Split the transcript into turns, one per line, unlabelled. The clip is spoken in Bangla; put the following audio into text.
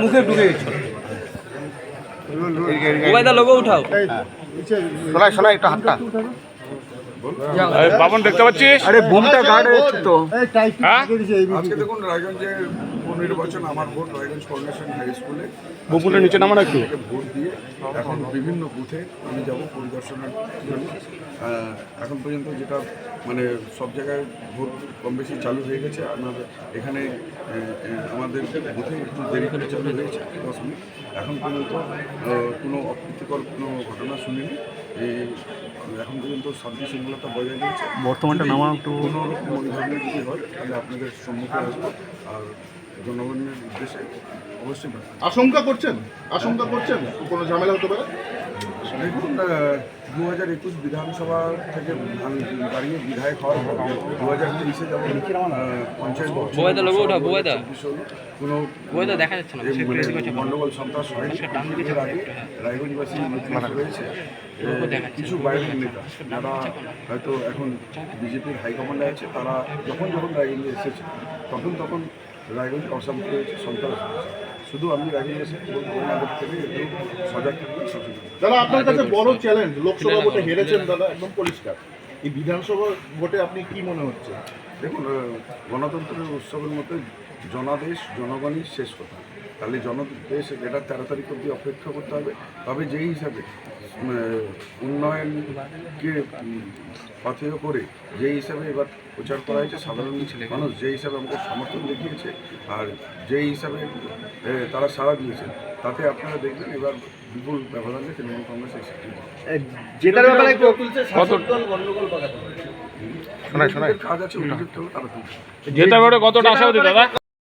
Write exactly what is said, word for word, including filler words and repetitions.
মুখে ঢুকে গেছে।
ওবায়দা লোগো উঠাও।
শোনাই শোনাই একটু হাতটা।
বাবন দেখতে পাচ্ছিস?
আরে বুমটা গার্ড হচ্ছে তো।
হ্যাঁ?
আজকে দেখুন রায়গঞ্জে পুনর্নির্বাচন আমার ভোট রায়গঞ্জ ফাউন্ডেশন হাই স্কুলে
বকুলের নিচে নামান একটু।
ভোট দিয়ে এখন বিভিন্ন বুথে আমি যাব পরিদর্শনের জন্য। আহ, এখন পর্যন্ত যেটা মানে সব জায়গায় ভোট কম বেশি চালু হয়ে গেছে। আমাদের এখানে আহ, আহ, আমাদের বুথে একটু দেরি করে চালু হয়েছে দশ মিনিট। এখন পর্যন্ত আহ, কোনো অপ্রীতিকর কোনো ঘটনা শুনিনি। এই এখন পর্যন্ত শান্তি শৃঙ্খলতা বজায় রয়েছে।
বর্তমানটা নামা একটু
কোনো রকম ওই ধরনের যদি হয় তাহলে আপনাদের সম্মুখে আসবো আর জনগণের উদ্দেশ্যে অবশ্যই।
আশঙ্কা করছেন আশঙ্কা করছেন কোনো ঝামেলা হতে পারে?
দেখুন দু হাজার একুশ বিধানসভা থেকে দাঁড়িয়ে বিধায়ক হওয়ার পর দু হাজার তেইশে যেমন পঞ্চায়েত
ওবায়দা লোগো উঠাও। ওবায়দা
কোনো
ওবায়দা দেখা যাচ্ছে না।
যে মানে গণ্ডগোল সন্ত্রাস হয়নি। এর আগে রায়গঞ্জবাসী ইতিহাস রয়েছে কিছু বাইরের নেতা যারা হয়তো এখন বিজেপির হাইকমান্ডে আছে, তারা যখন যখন রায়গঞ্জে এসেছে তখন তখন রায়গঞ্জ অশান্তি হয়েছে, সন্ত্রাস হয়েছে। শুধু আমি রায়গঞ্জে এসে ওনাদের থেকে একটু সজাগ থাকবেন, সচেতন।
দাদা আপনার কাছে বড় চ্যালেঞ্জ, লোকসভা ভোটে হেরেছেন দাদা একদম পরিষ্কার, এই বিধানসভা ভোটে আপনি কি মনে হচ্ছে?
দেখুন গণতন্ত্রের উৎসবের মতো জনাদেশ জনগণই শেষ কথা। তাহলে জনদেশ এটা তেরো তারিখ অবধি অপেক্ষা করতে হবে। তবে যেই হিসাবে উন্নয়নকে পাথেয় করে যেই হিসাবে এবার প্রচার করা হয়েছে, সাধারণ মানুষ যেই হিসাবে আমাকে সমর্থন দেখিয়েছে আর যেই হিসাবে তারা সাড়া দিয়েছে, তাতে আপনারা দেখবেন এবার বিপুল ব্যবধানে তৃণমূল কংগ্রেস এসে
জেতার ব্যাপারে
কাজ আছে, অভিযুক্ত হলে তারা তুলছে।
জেতার ব্যাপারে কতটা আশাবাদী দাদা?